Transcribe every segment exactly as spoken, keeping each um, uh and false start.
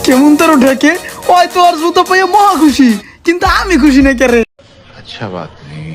কেমন তোর ঢেকে ওই তো আর জুতো পাইয়া মহা খুশি, কিন্তু আমি খুশি না কেরে। আচ্ছা বাত নেই।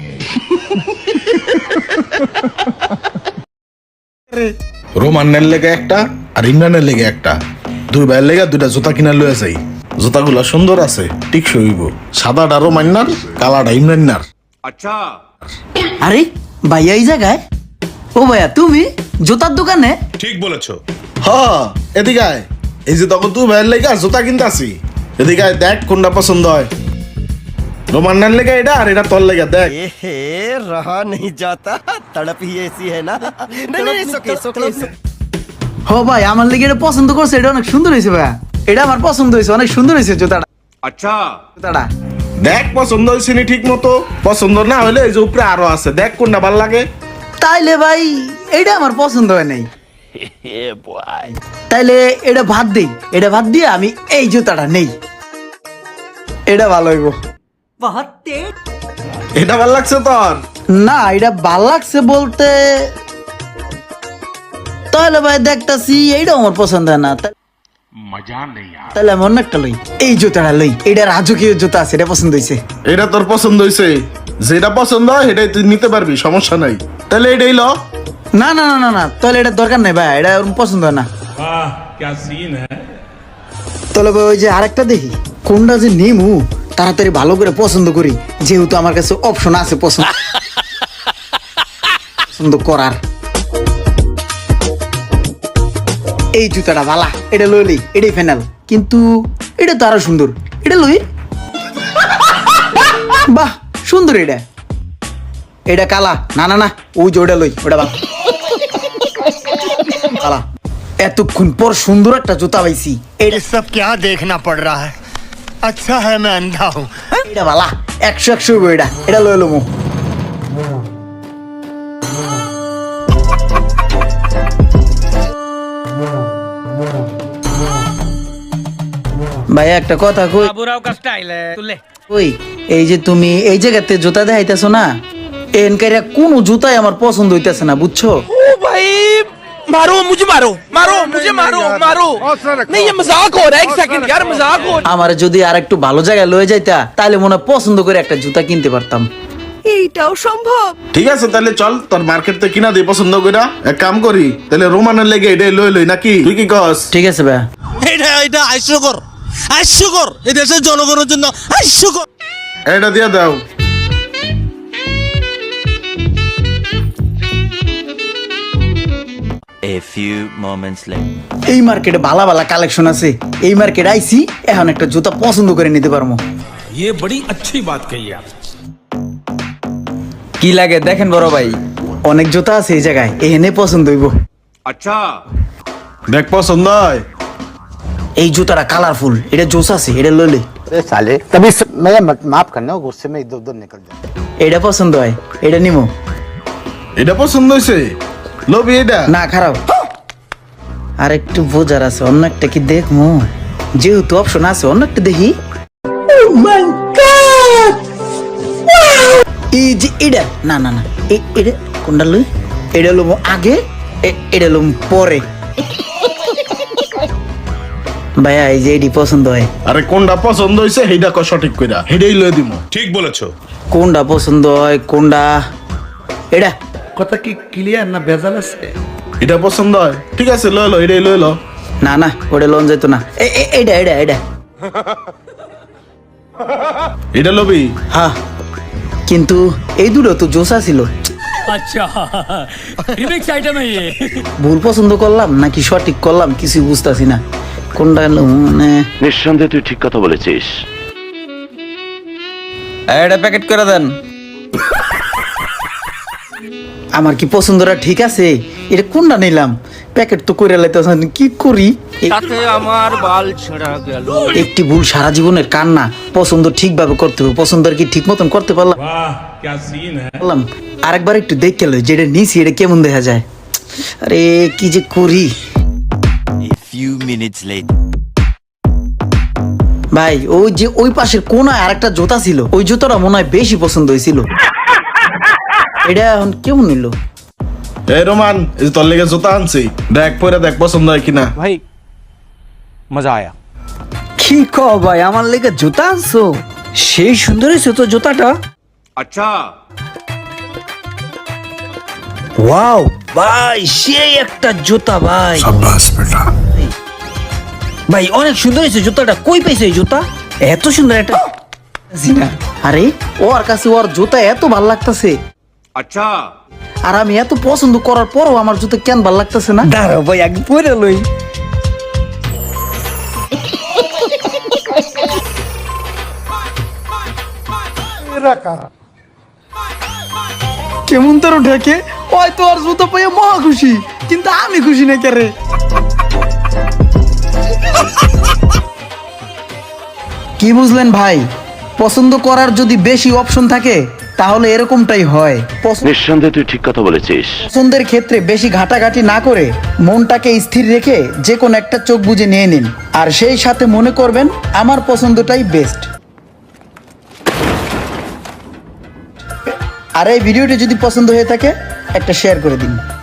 রোমানের লেগে একটা আর ইমরানের লেগে একটা, দুই ভাইয়ের লেগে দুইটা জুতা কিনা লয়ে যাই। জুতাগুলা সুন্দর আছে, ঠিক সইব। সাদাটা রোমান্নার, কালাটা ইমরান্নার। আচ্ছা আরে ভাইয়া এই জায়গায়? ও ভাইয়া তুমি জুতার দোকানে? ঠিক বলেছো। হ এদিকে আয়। এই যে তখন তুই ভাইয়ের লেগে জুতা কিনতে আসি, এদিকে আয়, দেখ কোনটা পছন্দ হয়। রোমান্নার লেগে এটা আর এটা তোর লেগে, দেখ। ए रहा नहीं जाता, तड़प ही ऐसी है ना। नहीं नहीं सो के सो के হ ভাই আমার লেগে এটা পছন্দ করছে, এটা অনেক সুন্দর হয়েছে ভাইয়া, এটা আমার পছন্দ হয়েছে, অনেক সুন্দর হয়েছে জুতাটা। আচ্ছা জুতাটা দেখ পছন্দ হয়েছে নি ঠিক মতো, পছন্দ না হলে এই যে উপরে আরো আছে, দেখ কোনটা ভালো লাগে। তাইলে ভাই এটা আমার পছন্দ হয় নাই, তাইলে এটা ভাত দেই, এটা ভাত দিয়ে আমি এই জুতাটা নেই, এটা ভালো হইব। এটা ভালো লাগছে তোর? না এটা ভাল লাগছে বলতে, তাহলে ভাই দেখতাছি এইটা আমার পছন্দ হয় না, তা- তাহলে আমি অন্য একটা লই, এই জুতাটা লই, এটা রাজকীয় জুতা আছে, এটা পছন্দ হয়েছে। এটা তোর পছন্দ হয়েছে, যেটা পছন্দ হয় সেটাই তুই নিতে পারবি, সমস্যা নাই। তাহলে এটাই ল। না না না না না তাহলে এটা দরকার নাই ভাই, এটা ওরকম পছন্দ হয় না। তাহলে ভাই ওই যে আরেকটা দেখি কোনটা যে নিমু, তাড়াতাড়ি ভালো করে পছন্দ করি, যেহেতু আমার কাছে অপশন আছে পছন্দ পছন্দ করার। এই জুতাটা ভালা, এটা লইলি, এটাই ফাইনাল। কিন্তু এটা তো আরো সুন্দর, এটা লই। বাহ সুন্দর এটা, এটা কালা। না না না ওই যে ওটা লই, ওটা ভালো কালা। এতক্ষণ পর সুন্দর একটা জুতা পাইছি, এটা ये सब क्या देखना पड़ रहा है। अच्छा है मैं अंधा हूँ। এটা ভালা, একশো একশো হইবো এটা, এটা লই লমু। ভাই একটা কথা কই, बाबूराव का स्टाइल है तू ले ওই এই যে তুমি এই জায়গাতে জুতা দেখাইতেছো না, এনকাইরা কোন জুতাই আমার পছন্দ হইতেছে না, বুঝছো? भाई मारो मुझे मारो मारो मुझे मारो मारो नहीं ये मजाक हो रहा है एक सेकंड यार मजाक हो আমার যদি আর একটু ভালো জায়গায় লয়ে যাইতা তাহলে মনে হয় পছন্দ করে একটা জুতা কিনতে পারতাম। এইটাও সম্ভব? ঠিক আছে তাহলে চল, তোর মার্কেট থেকে কিনা দিই পছন্দ কইরা। এক কাম করি তাহলে, রোমানের লেগে এটাই লই লই নাকি, তুই কি কস? ঠিক আছে ভাই, এটা এটা হাস্যকর হাস্যকর, এই দেশের জনগণের জন্য হাস্যকর। এটা দিয়ে দাও। A few moments later. এই মার্কেটে ভালো ভালো কালেকশন আছে, এই মার্কেটে আইছি, এখন একটা জুতা পছন্দ করে নিতে পারবো। ये बड़ी अच्छी बात कही आप। কি লাগে দেখেন বড় ভাই, অনেক জুতা আছে এই জায়গায়, এখানে পছন্দ হইব। अच्छा দেখ পছন্দ হয়। এই জুতাটা কালারফুল, এটা জোস আছে, এটা লইলে। साले तभी मैं माफ करना, गुस्से में इधर उधर निकल जाता। এটা পছন্দ হয়, এটা নিমো। এটা পছন্দ হয়েছে, লবি এটা। না খারাপ, আর একটু বোঝার আছে, অন্য একটা কি দেখমু, যেহেতু অপশন আছে অন্য একটা দেখি। এই যে এটা, না না না এ- এটা কোনটা লই, এটা লম আগে, এ- এটা লম পরে। ভাইয়া এই যে এটি পছন্দ হয়, আরে কোনটা পছন্দ হয়েছে সেইটা ক সঠিক কইরা, সেটাই লয়ে দিব। ঠিক বলেছো। কোনটা পছন্দ হয় কোনটা, এটা কথা কি ক্লিয়ার না ভেজাল আছে? এটা পছন্দ হয়, ঠিক আছে লয় লো, এটাই লয় লো। না না ওটা লোন যেত না, এ- এ- এটা এটা এটা এটা লবি। হ্যাঁ কিন্তু এই দুটো তো জোসা ছিল। अच्छा रिमिक्स आइटम है ये। ভুল পছন্দ করলাম নাকি সঠিক করলাম কিছু বুঝতাছি না, কোনটা লম, মানে নিঃসন্দেহে তুই ঠিক কথা বলেছিস। এটা প্যাকেট করে দেন। আমার কি পছন্দটা ঠিক আছে, এটা কোনটা নিলাম, প্যাকেট তো করে লাইতেছেন, কি করি? এ- আমার বাল ছেঁড়া গেল। একটি ভুল সারা জীবনের কান্না, পছন্দ ঠিকভাবে করতে হবে, পছন্দ আর কি ঠিক মতন করতে পারলাম পারলাম? আরেকবার একটু দেখে লো যেটা নিছি এটা কেমন দেখা যায়, আরে কি যে করি। A few minutes later. ভাই ওই যে ওই পাশের কোনায় আরেকটা জুতা ছিল, ওই জুতাটা মনে হয় বেশি পছন্দ হয়েছিল, এটা এখন কেমন নিল? এই রোমান, এই যে তোর লেগে জুতা আনছি, দেখ পরে দেখ পছন্দ হয় কিনা। भाई मजा आया। কি ক ভাই, আমার লেগে জুতা আনছো? সেই সুন্দর হয়েছে তো জুতাটা। अच्छा ওয়াও ভাই, সেই একটা জুতা ভাই। ভাই অনেক সুন্দর হয়েছে জুতাটা। কই পাইছে এই জুতা? এত সুন্দর একটা জিনা। আরে ওর কাছে ওর জুতা এত ভাল লাগতেছে, अच्छा আর আমি এত পছন্দ করার পরও আমার জুতা কেন ভাল লাগতেছে না? দাঁড়াও ভাই, আগে পরে লই। কেমন তোর ঢেকে? ওই তো আর জুতো পেয়ে মহা খুশি, কিন্তু আমি খুশি না কেরে। কি বুঝলেন ভাই? পছন্দ করার যদি বেশি অপশন থাকে তাহলে এরকমটাই হয়। পছন্দ- নিঃসন্দেহে তুই ঠিক কথা বলেছিস। পছন্দের ক্ষেত্রে বেশি ঘাটাঘাটি না করে মনটাকে স্থির রেখে যে কোনো একটা চোখ বুজে নিয়ে নিন, আর সেই সাথে মনে করবেন আমার পছন্দটাই বেস্ট। আর এই ভিডিওটি যদি পছন্দ হয়ে থাকে একটা শেয়ার করে দিন।